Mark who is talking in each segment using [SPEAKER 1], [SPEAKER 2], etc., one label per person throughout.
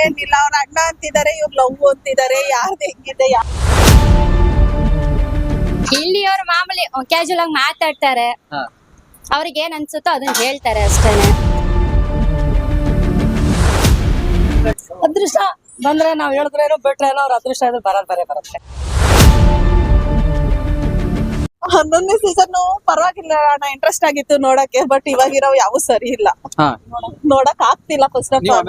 [SPEAKER 1] ಏನಿಲ್ಲ, ಅವ್ರ ಅಣ್ಣ ಅಂತಿದ್ದಾರೆ, ಇವ್ರು ಲವ್ ಅಂತಿದ್ದಾರೆ, ಯಾರ್ದು ಹೆಂಗಿದೆ
[SPEAKER 2] ಇಲ್ಲಿ ಅವ್ರು ಮಾಮೂಲಿ ಕ್ಯಾಶುವಲ್ ಆಗಿ ಮಾತಾಡ್ತಾರೆ.
[SPEAKER 3] ಹಾ.
[SPEAKER 2] ಅವ್ರಿಗೆ ಏನ್ ಅನ್ಸುತ್ತೋ ಅದನ್ನ ಹೇಳ್ತಾರೆ ಅಷ್ಟೇನೆ.
[SPEAKER 4] ಅದೃಷ್ಟ ಬಂದ್ರೆ ನಾವ್ ಹೇಳಿದ್ರೇನೋ ಬಿಟ್ರೇನೋ ಅವ್ರ ಅದೃಷ್ಟ ಇದ್ರೆ ಬರುತ್ತೆ.
[SPEAKER 1] 11ನೇ ಸೀಸನ್ ಪರವಾಗಿಲ್ಲ ಅಣ್ಣ, ಇಂಟ್ರೆಸ್ಟ್ ಆಗಿತ್ತು ನೋಡಕ್ಕೆ. ಬಟ್ ಇವಾಗಿರೋ ಯಾವ ಸರಿ ಇಲ್ಲ,
[SPEAKER 3] ಹಾ.
[SPEAKER 1] ನೋಡಕ್ ಆಗ್ತಿಲ್ಲ. ಫಸ್ಟ್ ಆಫ್ ಆಲ್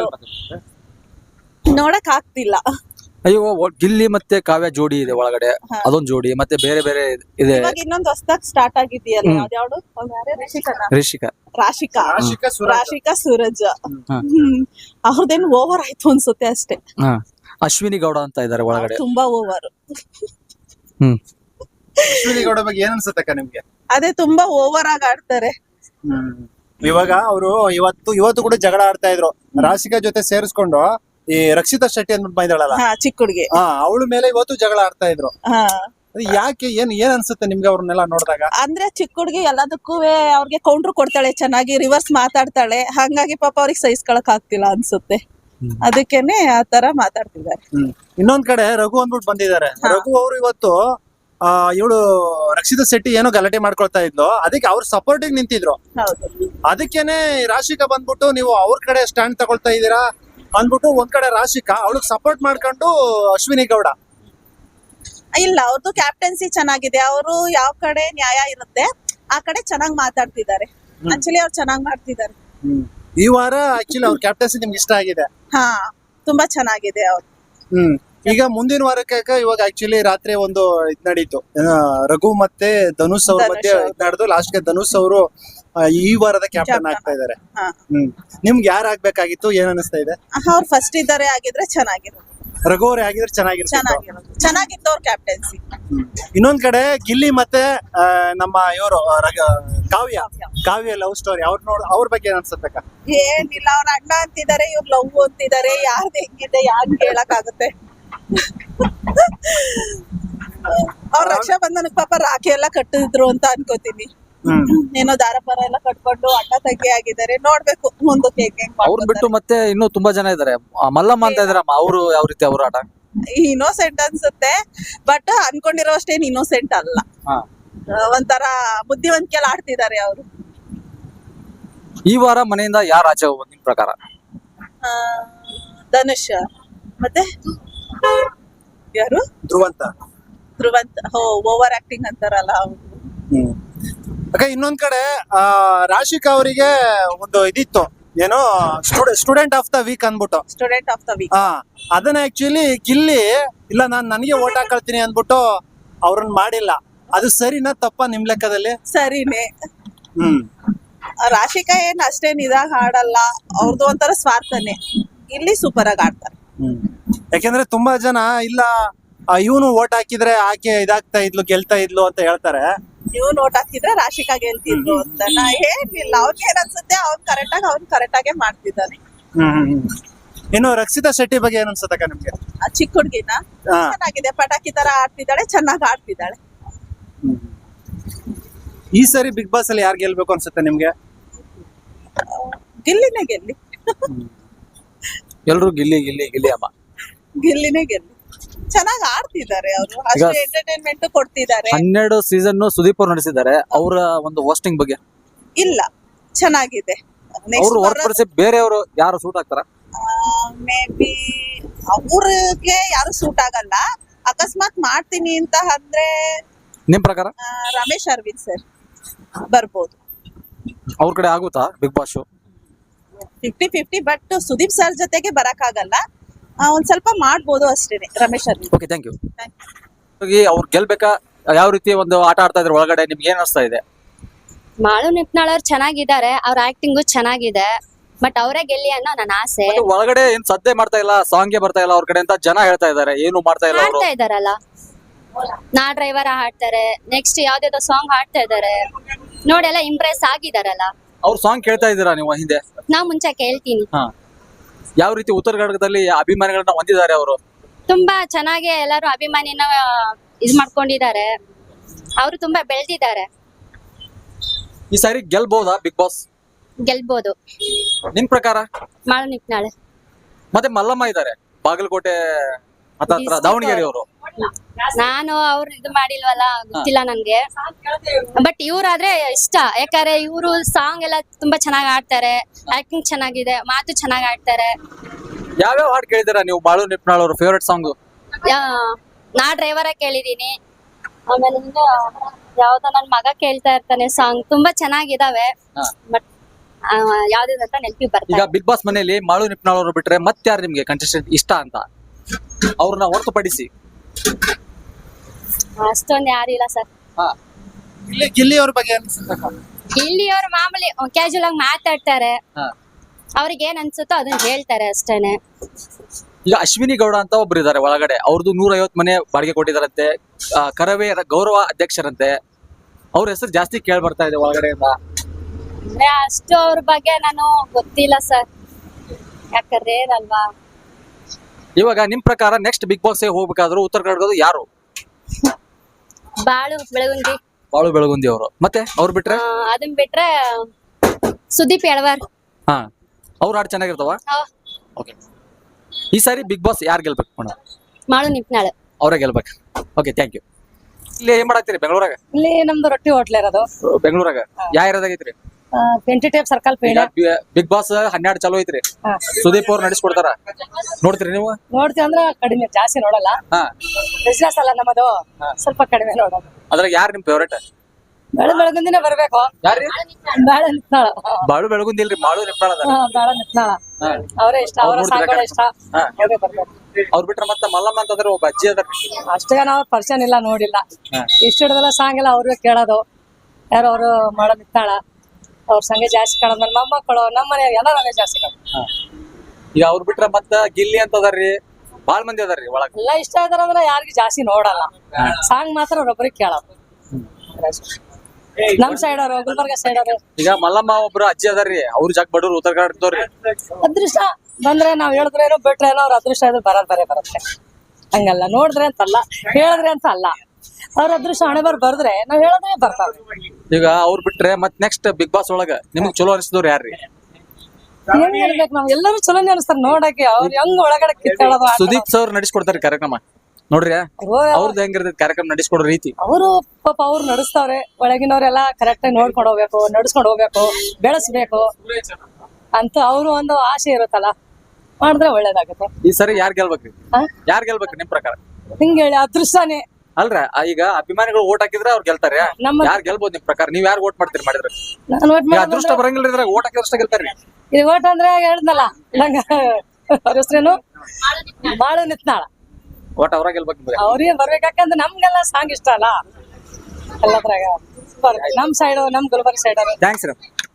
[SPEAKER 1] ನೋಡಕ್ ಆಗ್ತಿಲ್ಲ.
[SPEAKER 3] ಅಯ್ಯೋ, ಗಿಲ್ಲಿ ಮತ್ತೆ ಕಾವ್ಯ ಜೋಡಿ ಇದೆ ಒಳಗಡೆ,
[SPEAKER 1] ಹಾ.
[SPEAKER 3] ಅದೊಂದ್ ಜೋಡಿ ಮತ್ತೆ ಬೇರೆ ಬೇರೆ ಇದೆ.
[SPEAKER 1] ಇವಾಗ ಇನ್ನೊಂದು ಹೊಸದಾಗಿ ಸ್ಟಾರ್ಟ್ ಆಗಿದೆಯಲ್ಲ, ಅದ್ಯಾವ್ದು?
[SPEAKER 3] ರಿಷಿಕಾ.
[SPEAKER 1] ರಾಶಿಕಾ ಸೂರಜ್.
[SPEAKER 3] ಹಾ.
[SPEAKER 1] ಅವ್ರದೇನು ಓವರ್ ಆಯ್ತು ಅನ್ಸುತ್ತೆ ಅಷ್ಟೇ.
[SPEAKER 3] ಹಾ. ಅಶ್ವಿನಿ ಗೌಡ ಅಂತ ಇದಾರೆ ಒಳಗಡೆ.
[SPEAKER 1] ತುಂಬಾ ಓವರ್.
[SPEAKER 3] ಹ್ಮ್.
[SPEAKER 5] ಅಶ್ವಿನಿ ಗೌಡ ಬಗ್ಗೆ ಏನ್ ಅನ್ಸುತ್ತಕ್ಕ ನಿಮ್ಗೆ?
[SPEAKER 1] ಅದೇ ತುಂಬಾ ಓವರ್ ಆಗಿ ಆಡ್ತಾರೆ.
[SPEAKER 5] ಇವಾಗ ಅವರು ಇವತ್ತು ಕೂಡ ಜಗಳ ಆಡ್ತಾ ಇದ್ರು. ರಾಶಿಕಾ ಜೊತೆ ಸೇರಿಸ್ಕೊಂಡು ಈ ರಕ್ಷಿತಾ ಶೆಟ್ಟಿ ಅಂದ್ಬಿಟ್ಟು ಬಂದಿದ್ದಾಳಲ್ಲ,
[SPEAKER 1] ಹಾ, ಚಿಕ್ಕ ಹುಡುಗಿ.
[SPEAKER 5] ಅವಳ ಮೇಲೆ ಇವತ್ತು ಜಗಳ ಆಡ್ತಾ ಇದ್ರು.
[SPEAKER 1] ಹಾ,
[SPEAKER 5] ಅದು ಯಾಕೆ, ಏನ್ ಅನ್ಸುತ್ತೆ ನಿಮ್ಗೆ ಅವ್ರನ್ನೆಲ್ಲ ನೋಡಿದಾಗ?
[SPEAKER 1] ಅಂದ್ರೆ ಚಿಕ್ಕ ಹುಡುಗಿ ಎಲ್ಲದಕ್ಕೂ ಅವ್ರಿಗೆ ಕೌಂಟ್ರ್ ಕೊಡ್ತಾಳೆ, ಚೆನ್ನಾಗಿ ರಿವರ್ಸ್ ಮಾತಾಡ್ತಾಳೆ. ಹಂಗಾಗಿ ಪಾಪ ಅವ್ರಿಗೆ ಸಹಿಸ್ಕೊಳಕ್ ಆಗ್ತಿಲ್ಲ ಅನ್ಸುತ್ತೆ. ಅದಕ್ಕೇನೆ ಆ ತರ ಮಾತಾಡ್ತಿದ್ದಾರೆ.
[SPEAKER 5] ಇನ್ನೊಂದ್ ಕಡೆ ರಘು ಅಂದ್ಬಿಟ್ಟು ಬಂದಿದ್ದಾರೆ. ರಘು ಅವರು ಇವತ್ತು ಇವಳು ರಕ್ಷಿತಾ ಶೆಟ್ಟಿ ಏನೋ ಗಲಾಟೆ ಮಾಡ್ಕೊಳ್ತಾ ಇದ್ಲು, ಅದಕ್ಕೆ ಅವ್ರ ಸಪೋರ್ಟಿಗೆ ನಿಂತಿದ್ರು.
[SPEAKER 1] ಹೌದು.
[SPEAKER 5] ಅದಕ್ಕೇನೆ ರಾಶಿಕಾ ಬಂದ್ಬಿಟ್ಟು ನೀವು ಅವ್ರ ಕಡೆ ಸ್ಟ್ಯಾಂಡ್ ತಗೊಳ್ತಾ ಇದೀರಾ ಅಂದ್ಬಿಟ್ಟು ಒಂದ್ ಕಡೆ ರಾಶಿಕಾ ಅವಳಿಗೆ ಸಪೋರ್ಟ್ ಮಾಡ್ಕೊಂಡು ಅಶ್ವಿನಿ ಗೌಡ.
[SPEAKER 1] ಇಲ್ಲ, ಅವ್ರದ್ದು ಕ್ಯಾಪ್ಟನ್ಸಿ ಚೆನ್ನಾಗಿದೆ. ಅವರು ಯಾವ ಕಡೆ ನ್ಯಾಯ ಇರುತ್ತೆ ಆ ಕಡೆ ಚೆನ್ನಾಗಿ ಮಾತಾಡ್ತಿದ್ದಾರೆ. ಆಕ್ಚುಲಿ ಅವ್ರು ಚೆನ್ನಾಗಿ ಮಾಡ್ತಿದ್ದಾರೆ.
[SPEAKER 5] ಈ ವಾರ ಆಕ್ಚುಲಿ ಅವ್ರ ಕ್ಯಾಪ್ಟನ್ಸಿ ನಿಮ್ಗೆ ಇಷ್ಟ ಆಗಿದೆ.
[SPEAKER 1] ಹಾ, ತುಂಬಾ ಚೆನ್ನಾಗಿದೆ ಅವ್ರು.
[SPEAKER 5] ಈಗ ಮುಂದಿನ ವಾರಕ್ಕೆ ಇವಾಗ ಆಕ್ಚುಲಿ ರಾತ್ರಿ ಒಂದು ಇದ್ ನಡೀತು, ರಘು ಮತ್ತೆ ಧನುಷ್ ಅವ್ರ ಮಧ್ಯೆ ನಡೆದು ಲಾಸ್ಟ್ ಗೆ ಧನುಷ್ ಅವರು ಈ ವಾರದ ಕ್ಯಾಪ್ಟನ್ ಆಗ್ತಾ ಇದಾರೆ. ನಿಮ್ಗೆ ಯಾರು ಆಗ್ಬೇಕಾಗಿತ್ತು, ಏನ್ ಅನಿಸ್ತಾ ಇದೆ?
[SPEAKER 1] ಅವ್ರು ಫಸ್ಟ್ ಇದ್ದಾರೆ ಆಗಿದ್ರೆ ಚೆನ್ನಾಗಿರೋದು.
[SPEAKER 5] ರಘು ಅವ್ರೆ ಆಗಿದ್ರೆ
[SPEAKER 1] ಚೆನ್ನಾಗಿತ್ತು ಅವ್ರ ಕ್ಯಾಪ್ಟನ್ಸಿ.
[SPEAKER 5] ಇನ್ನೊಂದ್ ಕಡೆ ಗಿಲ್ಲಿ ಮತ್ತೆ ನಮ್ಮ ಇವರು ಕಾವ್ಯ ಲವ್ ಸ್ಟೋರಿ ಅವ್ರ ಬಗ್ಗೆ ಏನ್ ಅನ್ಸತ್ತಕ್ಕ?
[SPEAKER 1] ಏನಿಲ್ಲ, ಅವ್ರ ಅಣ್ಣ ಅಂತಿದ್ದಾರೆ, ಇವ್ರು ಲವ್ ಅಂತಿದ್ದಾರೆ, ಯಾರ್ದು ಹೆಂಗಿದೆ ಯಾರು ಹೇಳಕ್ ಆಗುತ್ತೆ. ಅವ್ರ ರಕ್ಷಾ ಬಂಧನಕ್ ಪಾಪ ರಾಖಿ ಎಲ್ಲ ಕಟ್ಟಿದ್ರು ಅಂತ ಅನ್ಕೋತೀನಿ. ಏನೋ ದಾರಪರ ಎಲ್ಲ ಕಟ್ಕೊಂಡು ಅಣ್ಣ ತಂಗಿ ಆಗಿದ್ದಾರೆ. ನೋಡ್ಬೇಕು ಮುಂದಕ್ಕೆ
[SPEAKER 3] ಅವ್ರು ಬಿಟ್ಟು ಮತ್ತೆ ಇನ್ನೂ ತುಂಬಾ ಜನ ಇದಾರೆ. ಮಲ್ಲಮ್ಮ ಅಂತ ಇದಾರಮ್ಮ, ಅವರು ಯಾವ ರೀತಿ ಅವ್ರ ಆಟ?
[SPEAKER 1] ಇನ್ನೋಸೆಂಟ್ ಅನ್ಸುತ್ತೆ, ಬಟ್ ಅನ್ಕೊಂಡಿರೋ ಅಷ್ಟೇನ್ ಇನ್ನೋಸೆಂಟ್ ಅಲ್ಲ. ಒಂಥರ ಬುದ್ಧಿವಂತಿಕೆಲ್ಲ ಆಡ್ತಿದ್ದಾರೆ ಅವರು.
[SPEAKER 3] ಈ ವಾರ ಮನೆಯಿಂದ ಯಾರು ಆಚೆ ಹೋಗ್ಬೋದು ನಿಮ್ ಪ್ರಕಾರ?
[SPEAKER 1] ಧನುಷ್ ಮತ್ತೆ ಯಾರು? ಧ್ರುವಂತ. ಓವರ್ ಆಕ್ಟಿಂಗ್ ಅಂತಾರಲ್ಲ ಅವ್ರು.
[SPEAKER 5] ಅಕ್ಕ, ಇನ್ನೊಂದ್ ಕಡೆ ರಾಶಿಕಾ ಅವರಿಗೆ ಒಂದು ಇದಿತ್ತು, ಏನೋ ಸ್ಟೂಡೆಂಟ್ ಆಫ್ ದ ವೀಕ್ ಅನ್ಬಿಟ್ಟು.
[SPEAKER 1] Student of the week.
[SPEAKER 5] ಅದನ್ನ ಆಕ್ಚುಲಿ ಗಿಲ್ಲಿ ಇಲ್ಲ, ನನಗೆ ಓಟ್ ಹಾಕೊಳ್ತೀನಿ ಅನ್ಬಿಟ್ಟು ಅವ್ರನ್ನ ಮಾಡಿಲ್ಲ. ಅದು ಸರಿನಾ ತಪ್ಪ ನಿಮ್ ಲೆಕ್ಕದಲ್ಲಿ?
[SPEAKER 1] ಸರಿನೇ. ರಾಶಿಕಾ ಏನ್ ಅಷ್ಟೇನ್ ಇದಾಗ ಆಡಲ್ಲ, ಅವ್ರದ್ದು ಒಂಥರ ಸ್ವಾರ್ಥನೆ. ಇಲ್ಲಿ ಸೂಪರ್ ಆಗಿ ಆಡ್ತಾರೆ.
[SPEAKER 5] ಯಾಕೆಂದ್ರೆ ತುಂಬಾ ಜನ ಇಲ್ಲ ಇವನು ಓಟ್ ಹಾಕಿದ್ರೆ ಆಕೆ ಇದಾಗ್ತಾ ಇದ್ಲು, ಗೆಲ್ತಾ ಇದ್ಲು ಅಂತ ಹೇಳ್ತಾರೆ.
[SPEAKER 1] ನೀವು ನೋಟ್ ಹಾಕಿದ್ರೆ ರಾಶಿಕಾ ಗೆಲ್ತಿದ್ರು ಅಂತ. ನಾ ಏನಿಲ್ಲ, ಅವ್ರಿಗೆ ಏನ್ ಅನ್ಸುತ್ತೆ ಅವ್ನ್ ಕರೆಕ್ಟ್ ಆಗೇ ಮಾಡ್ತಿದ್ದಾನೆ.
[SPEAKER 5] ಇನ್ನು ರಕ್ಷಿತಾ ಶೆಟ್ಟಿ ಬಗ್ಗೆ ಏನ್ ಅನ್ಸತ್ತಕ್ಕ ನಿಮ್ಗೆ?
[SPEAKER 1] ಆ ಚಿಕ್ಕ ಹುಡ್ಗಿನ ಚೆನ್ನಾಗಿದೆ, ಪಟಾಕಿ ತರ ಆಡ್ತಿದ್ದಾಳೆ, ಚೆನ್ನಾಗಿ ಆಡ್ತಿದ್ದಾಳೆ.
[SPEAKER 5] ಈ ಸರಿ ಬಿಗ್ ಬಾಸ್ ಅಲ್ಲಿ ಯಾರು ಗೆಲ್ಬೇಕು ಅನ್ಸುತ್ತೆ ನಿಮ್ಗೆ?
[SPEAKER 1] ಗಿಲ್ಲಿನೇ ಗೆಲ್ಲಿ.
[SPEAKER 3] ಎಲ್ರು ಗಿಲ್ಲಿ ಅಮ್ಮ.
[SPEAKER 1] ಗಿಲ್ಲಿನೇ ಗೆಲ್ಲಿ. ಚೆನ್ನಾಗಿ ಆಡ್ತಿದ್ದಾರೆ ಅವರು, ಅಷ್ಟು ಎಂಟರ್ಟೈನ್ಮೆಂಟ್ ಕೊಡ್ತಿದ್ದಾರೆ.
[SPEAKER 3] 12 ಸೀಸನ್ ಸುದೀಪ್ ಅವ್ರು ನಡೆಸಿದ್ದಾರೆ. ಅವರ ಒಂದು ಹೋಸ್ಟಿಂಗ್ ಬಗ್ಗೆ
[SPEAKER 1] ಇಲ್ಲ, ಚೆನ್ನಾಗಿದೆ.
[SPEAKER 3] ಅವ್ರು ಹೊರತುಪಡಿಸಿ ಬೇರೆಯವರು ಯಾರು ಸೂಟ್ ಆಗ್ತಾರ?
[SPEAKER 1] ಮೇ ಬಿ ಅವ್ರಿಗೆ ಯಾರು ಸೂಟ್ ಆಗಲ್ಲ. ಅಕಸ್ಮಾತ್ ಮಾಡ್ತೀನಿ ಅಂತ ಅಂದ್ರೆ
[SPEAKER 3] ನಿಮ್ ಪ್ರಕಾರ
[SPEAKER 1] ರಮೇಶ್ ಅರವಿಂದ್ ಸರ್ ಬರ್ಬೋದು.
[SPEAKER 3] ಅವ್ರ ಕಡೆ ಆಗುತ್ತಾ big boss show?
[SPEAKER 1] 50-50, but Sudeep sir ಜೊತೆಗೆ ಬರಕ್ ಆಗಲ್ಲ. ಒಂದ್ ಸ್ವಲ್ಪ ಮಾಡ್ಬೋದು ಅಷ್ಟೇನೆ Ramesh Aravind.
[SPEAKER 3] Okay, thank you. ಅವ್ರು ಗೆಲ್ಬೇಕಾ? ಯಾವ ರೀತಿ ಒಂದು ಆಟ ಆಡ್ತಾ ಇದ್ರೆ ಒಳಗಡೆ ನಿಮ್ಗೆ ಏನ್ ಅನಿಸ್ತಾ ಇದೆ?
[SPEAKER 2] ಮಾಳು ನಿಪ್ನಾಳ್ ಅವ್ರು ಚೆನ್ನಾಗಿದ್ದಾರೆ, ಅವ್ರ ಆಕ್ಟಿಂಗು ಚೆನ್ನಾಗಿದೆ. ಬಟ್ ಅವರೇ ಗೆಲ್ಲಿ ಅನ್ನೋ ನನ್ನ ಆಸೆ.
[SPEAKER 3] ಒಳಗಡೆ ಏನ್ ಸದ್ದೆ ಮಾಡ್ತಾ ಇಲ್ಲ, ಸಾಂಗ್ಗೆ ಬರ್ತಾ ಇಲ್ಲ ಅವ್ರ ಕಡೆ ಅಂತ ಜನ ಹೇಳ್ತಾ ಇದಾರೆ. ಏನು ಮಾಡ್ತಾ ಇಲ್ಲ ಅವರು.
[SPEAKER 2] ಹಾಡ್ತಾ ಇದಾರಲ್ಲ, ನಾ ಡ್ರೈವರ್ ಹಾಡ್ತಾರೆ, ನೆಕ್ಸ್ಟ್ ಯಾವ್ದಾವ್ದೋ ಸಾಂಗ್ ಹಾಡ್ತಾ ಇದಾರೆ ನೋಡಿ, ಎಲ್ಲ ಇಂಪ್ರೆಸ್ ಆಗಿದಾರಲ್ಲ.
[SPEAKER 3] ಅವ್ರ ಸಾಂಗ್ ಕೇಳ್ತಾ ಇದ್ದೀರಾ ನೀವು ಹಿಂದೆ?
[SPEAKER 2] ನಾ ಮುಂಚೆ ಕೇಳ್ತೀನಿ.
[SPEAKER 3] ಯಾವ ರೀತಿ ಉತ್ತರ ಕರ್ನಾಟಕದಲ್ಲಿ ಅಭಿಮಾನಿಗಳನ್ನ ಹೊಂದಿದ್ದಾರೆ ಅವರು?
[SPEAKER 2] ತುಂಬಾ ಚೆನ್ನಾಗಿ ಎಲ್ಲರೂ ಅಭಿಮಾನಿನ ಇದ್ ಮಾಡ್ಕೊಂಡಿದ್ದಾರೆ. ಅವರು ತುಂಬಾ ಬೆಳೆದಿದ್ದಾರೆ.
[SPEAKER 3] ಈ ಸಾರಿ ಗೆಲ್ಬಹುದಾ ಬಿಗ್ ಬಾಸ್?
[SPEAKER 2] ಗೆಲ್ಬಹುದು.
[SPEAKER 3] ನಿಮ್ ಪ್ರಕಾರ?
[SPEAKER 2] ಮಾಳು ನಿಪ್ನಾಳೆ.
[SPEAKER 3] ಮತ್ತೆ ಮಲ್ಲಮ್ಮ ಇದ್ದಾರೆ ಬಾಗಲಕೋಟೆ ಹತ್ರ ದಾವಣಗೆರೆ ಅವರು.
[SPEAKER 2] ನಾನು ಅವ್ರು ಇದು ಮಾಡಿಲ್ವಲ್ಲ ಗೊತ್ತಿಲ್ಲ ನನ್ಗೆ. ಬಟ್ ಇವ್ರಾದ್ರೆ ಇಷ್ಟ, ಯಾಕಂದ್ರೆ ಇವರು ಸಾಂಗ್ ಎಲ್ಲ ತುಂಬಾ ಚೆನ್ನಾಗಿ ಆಡ್ತಾರೆ, ಆಕ್ಟಿಂಗ್ ಚೆನ್ನಾಗಿದೆ, ಮಾತು ಚೆನ್ನಾಗಿ ಆಡ್ತಾರೆ.
[SPEAKER 3] ಯಾವ್ಯಾವ ಹಾಡು ಕೇಳಿದಾರ ನೀವು ಬಾಳು ನಿಪ್ನಾಳ್ ಅವ್ರ ಫೇವ್ರೆಟ್ ಸಾಂಗ್?
[SPEAKER 2] ನಾ ಡ್ರೈವರ ಕೇಳಿದೀನಿ, ಆಮೇಲೆ ಯಾವ್ದೋ ನನ್ ಮಗ ಕೇಳ್ತಾ ಇರ್ತಾನೆ ಸಾಂಗ್, ತುಂಬಾ ಚೆನ್ನಾಗಿದಾವೆ. ಬಟ್ ಯಾವ್ದಂತ ನೆನಪಿ
[SPEAKER 3] ಈಗ
[SPEAKER 2] ಬರ್ತಾರೆ.
[SPEAKER 3] ಬಿಗ್ ಬಾಸ್ ಮನೆಯಲ್ಲಿ ಮಾಳು ನಿಪ್ನಾಳ್ ಅವರು ಬಿಟ್ರೆ ಮತ್ತೆ ಯಾರು ನಿಮ್ಗೆ ಕಂಟೆಸ್ಟೆಂಟ್ ಇಷ್ಟ ಅಂತ, ಅವ್ರನ್ನ ಹೊರತುಪಡಿಸಿ?
[SPEAKER 2] ಅಷ್ಟೊಂದು ಯಾರಿಲ್ಲ ಸರ್.
[SPEAKER 5] ಗಿಲ್ಲಿ ಅವ್ರ ಬಗ್ಗೆ ಅನ್ಸುತ್ತೆ.
[SPEAKER 2] ಇಲ್ಲಿಯವ್ರು ಮಾಮೂಲಿ ಕ್ಯಾಶುವಲ್ ಆಗಿ ಮಾತಾಡ್ತಾರೆ, ಅವ್ರಿಗೆ ಏನ್ ಅನ್ಸುತ್ತೋ ಅದನ್ನ ಹೇಳ್ತಾರೆ ಅಷ್ಟೇನೆ.
[SPEAKER 3] ಈಗ ಅಶ್ವಿನಿ ಗೌಡ ಅಂತ ಒಬ್ರು ಇದಾರೆ ಒಳಗಡೆ, ಅವ್ರದ್ದು 150 ಮನೆ ಬಾಡಿಗೆ ಕೊಟ್ಟಿದಾರಂತೆ, ಕರವೇ ಗೌರವ ಅಧ್ಯಕ್ಷರಂತೆ. ಅವ್ರ ಹೆಸರು ಜಾಸ್ತಿ ಕೇಳಿ ಬರ್ತಾ ಇದೆ ಒಳಗಡೆಯಿಂದ.
[SPEAKER 2] ಅಂದ್ರೆ ಅಷ್ಟು ಅವ್ರ ಬಗ್ಗೆ ನಾನು ಗೊತ್ತಿಲ್ಲ ಸರ್, ಯಾಕಂದ್ರೆ ಏನಲ್ವಾ.
[SPEAKER 3] ಇವಾಗ ನಿಮ್ ಪ್ರಕಾರ ನೆಕ್ಸ್ಟ್ ಬಿಗ್ ಬಾಸ್ ಹೋಗ್ಬೇಕಾದ್ರು ಉತ್ತರ ಕರ್ನಾಟಕದ ಯಾರು?
[SPEAKER 2] ಬಾಳು ಬೆಳಗುಂದಿ.
[SPEAKER 3] ಬಾಳು ಬೆಳಗುಂದಿ ಅವರು. ಮತ್ತೆ ಅವ್ರು ಬಿಟ್ರೆ?
[SPEAKER 2] ಅದನ್ ಬಿಟ್ರೆ ಸುದೀಪ್ ಎಳವಾರ್.
[SPEAKER 3] ಹಾ, ಅವ್ರ ಹಾಡು ಚೆನ್ನಾಗಿರ್ತಾವ. ಓಕೆ, ಈ ಸಾರಿ ಬಿಗ್ ಬಾಸ್ ಯಾರು ಗೆಲ್ಬೇಕು ಮೇಡಮ್?
[SPEAKER 2] ಮಾಳು ನಿಪ್ನಾಳ್
[SPEAKER 3] ಅವರೇ ಗೆಲ್ಬೇಕು. Okay, thank you. ಇಲ್ಲಿ ಏನ್ ಮಾಡತ್ತೀರಿ ಬೆಂಗಳೂರಾಗ?
[SPEAKER 4] ಇಲ್ಲಿ ನಮ್ದು ರೊಟ್ಟಿ ಹೋಟ್ಲ್ ಇರೋದು
[SPEAKER 3] ಬೆಂಗಳೂರಾಗ ಯಾವ ಏರಿಯಾದಾಗ ಐತ್ರಿ?
[SPEAKER 4] 20 ಟೇಪ್ ಸರ್ಕಲ್ ಪೇಡ.
[SPEAKER 3] ಬಿಗ್ ಬಾಸ್ 12 ಚಾಲೂ ಐತ್ರಿ. ಸುದೀಪ್ ಅವ್ರು ನಡೆಸ್ಕೊಡ್ತಾರ, ನೋಡ್ತೀರಿ ನೀವು?
[SPEAKER 4] ನೋಡ್ತೀವಿ ಅಂದ್ರೆ ಕಡಿಮೆ, ಜಾಸ್ತಿ ನೋಡಲ್ಲ.
[SPEAKER 3] ಹಾ,
[SPEAKER 4] ಬಿಸ್ನೆಸ್ ಅಲ್ಲ ನಮ್ಮದು, ಸ್ವಲ್ಪ ಕಡಿಮೆ ನೋಡೋದು.
[SPEAKER 3] ಅದ್ರಾಗ ಯಾರು ನಿಮ್ ಫೇವ್ರೇಟ್?
[SPEAKER 4] ಬೆಳಗುಂದಿನೇ ಬರ್ಬೇಕು.
[SPEAKER 3] ಯಾರ್ರಿ?
[SPEAKER 4] ಬಾಳ ನಿತ್ನಾಳ.
[SPEAKER 3] ಬಾಳು ಬೆಳಗುಂದಿ ಇಲ್ರಿ, ಮಾಳು ನಿಪ್ನಾಳ್ ಅದಾರ.
[SPEAKER 4] ಬಾಳ ನಿತ್ನಾಳ ಅವರೇ ಇಷ್ಟ, ಅವರ ಸಾಂಗಳ ಇಷ್ಟ, ಅವರೇ ಬರ್ಬೇಕು.
[SPEAKER 3] ಅವ್ರು ಬಿಟ್ರೆ ಮತ್ತೆ ಮಲ್ಲಮ್ಮ ಅಂತಂದ್ರೆ ಒಬ್ಬ ಅಜ್ಜಿ ಅದಾರ.
[SPEAKER 4] ಅಷ್ಟೇ ನಾವು ಪರ್ಸನ್ ಇಲ್ಲ, ನೋಡಿಲ್ಲ. ಇಷ್ಟ ಹಿಡ್ದಲ್ಲ ಸಾಂಗ್ ಎಲ್ಲ ಅವ್ರಿಗೆ ಕೇಳೋದು. ಯಾರು ಅವರು ಮಾಡ ನಿತ್ನಾಳ ಅವ್ರ ಸಂಗೆ ಜಾಸ್ತಿ ಕೇಳೋದು. ನನ್ನ ಮೊಮ್ಮಕ್ಕಳು ನಮ್ಮ ಮನೆ ಎಲ್ಲ ನಂಗೆ ಜಾಸ್ತಿ ಕೇಳೋದು.
[SPEAKER 3] ಈಗ ಅವ್ರು ಬಿಟ್ರೆ ಮತ್ತ ಗಿಲ್ಲಿ ಅಂತ ಅದಾರ್ರಿ, ಬಾಳ್ ಮಂದಿ ಅದಾರ್ರಿ ಒಳಗ.
[SPEAKER 4] ಎಲ್ಲ ಇಷ್ಟ ಇದಾರ ಅಂದ್ರೆ ಯಾರಿಗೂ ಜಾಸ್ತಿ ನೋಡಲ್ಲ, ಸಾಂಗ್ ಮಾತ್ರ ಅವ್ರೊಬ್ಬರಿಗೆ ಕೇಳೋದು. ನಮ್ ಸೈಡ್ ಅವರು, ಗುಲ್ಬರ್ಗ ಸೈಡ್ ಅವರು.
[SPEAKER 3] ಈಗ ಮಲ್ಲಮ್ಮ ಒಬ್ರು ಅಜ್ಜಿ ಅದಾರ್ರಿ, ಅವ್ರು ಜಾಕ್ ಬಡವ್ರು, ಉತ್ತರ ಕರ್ನಾಟಕದವ್ರಿ.
[SPEAKER 4] ಅದೃಷ್ಟ ಬಂದ್ರೆ ನಾವ್ ಹೇಳಿದ್ರೇನು ಬಿಟ್ರೇನೋ ಅವ್ರ ಅದೃಷ್ಟ ಇದ್ರೆ ಬರುತ್ತೆ. ಹಂಗಲ್ಲ, ನೋಡಿದ್ರೆ ಅಂತಲ್ಲ, ಹೇಳಿದ್ರೆ ಅಂತ ಅಲ್ಲ. ಅವ್ರ ಅದೃಷ್ಟ ಹಣೆ ಬರ್ದ್ರೆ ನಾವ್ ಹೇಳಿದ್ರೆ ಬರ್ತಾವೆ.
[SPEAKER 3] ಈಗ ಅವ್ರು ಬಿಟ್ರೆ ಮತ್ ನೆಕ್ಸ್ಟ್ ಬಿಗ್ ಬಾಸ್ ಒಳಗ ನಿಮ್ಗ್ ಚಲೋ ಅನಿಸಿದವ್ರು ಯಾರ್ರಿ?
[SPEAKER 4] ಹೆಂಗ್ ಹೇಳ್ಬೇಕು, ನಾವ್ ಎಲ್ಲರೂ ಚಲೋನೇ ಅನಿಸ್ತಾರ ನೋಡಕ್ಕೆ. ಅವ್ರ ಹೆಂಗ್ ಒಳಗಡೆ ಕಿತ್ತಾಡೋದು.
[SPEAKER 3] ಸುದೀಪ್ ಸರ್ ನಡೆಸ್ಕೊಡ್ತಾರೆ ಕಾರ್ಯಕ್ರಮ, ನೋಡ್ರಿ ಅವ್ರದ್ದು ಹೆಂಗಿರ್ತೈತಿ ಕಾರ್ಯಕ್ರಮ ನಡೆಸ್ಕೊಡೋ ರೀತಿ.
[SPEAKER 4] ಅವರು ಪಾಪ ಅವ್ರು ನಡೆಸ್ತಾವ್ರೆ, ಒಳಗಿನವ್ರೆಲ್ಲ ಕರೆಕ್ಟ್ ಆಗಿ ನೋಡ್ಕೊಂಡು ಹೋಗ್ಬೇಕು, ನಡ್ಸ್ಕೊಂಡು ಹೋಗ್ಬೇಕು, ಬೆಳೆಸ್ಬೇಕು ಅಂತ ಅವ್ರು ಒಂದು ಆಸೆ ಇರುತ್ತಲ್ಲ, ಮಾಡಿದ್ರೆ ಒಳ್ಳೇದಾಗುತ್ತೆ.
[SPEAKER 3] ಈ ಸರಿ ಯಾರ್ ಗೆಲ್ಬೇಕ್ರಿ? ಯಾರ್ ಗೆಲ್ಬೇಕ್ರಿ ನಿಮ್ ಪ್ರಕಾರ?
[SPEAKER 4] ಹಿಂಗ್ ಹೇಳಿ ಅದೃಷ್ಟನೇ
[SPEAKER 3] ಅಲ್ರ. ಈಗ ಅಭಿಮಾನಿಗಳು ಓಟ್ ಹಾಕಿದ್ರೆ ಅವ್ರು ಗೆಲ್ತಾರೆ.
[SPEAKER 4] ನಮ್ಮ
[SPEAKER 3] ಯಾರ್ ಗೆಲ್ಬೋದು ನಿಮ್ ಪ್ರಕಾರ? ನೀವ್ ಯಾರು ಓಟ್ ಮಾಡ್ತೀರಿ ಮಾಡಿದ್ರೆ?
[SPEAKER 4] ನಾನು ಓಟ್
[SPEAKER 3] ಈಗ ಅದೃಷ್ಟ ಬರಂಗಿಲ್ಲ ಇದ್ರಾಗ, ಓಟ್ ಹಾಕಿದ್ರೆ ಅಷ್ಟೇ ಗೆಲ್ತಾರ್ರಿ.
[SPEAKER 4] ಇದು ಓಟ್ ಅಂದ್ರೆ ಹೇಳಿದ್ನಲ್ಲ ನಂಗ ಅವ್ರ ಹೆಸ್ರೇನು ಬಾಳು ನಿತ್ನಾಳ.
[SPEAKER 3] ಓಟ್ ಅವ್ರ ಗೆಲ್ಬೇಕು.
[SPEAKER 4] ಅವ್ರಿಗೆ ಬರ್ಬೇಕಂದ್ರೆ ನಮ್ಗೆಲ್ಲ ಸಾಂಗ್ ಇಷ್ಟ ಅಲ್ಲ ಎಲ್ಲದ್ರಾಗ. ನಮ್ ಸೈಡು, ನಮ್ ಗುಲ್ಬರ್ಗ ಸೈಡ್.
[SPEAKER 3] ಥ್ಯಾಂಕ್ಸ್ ರೀ.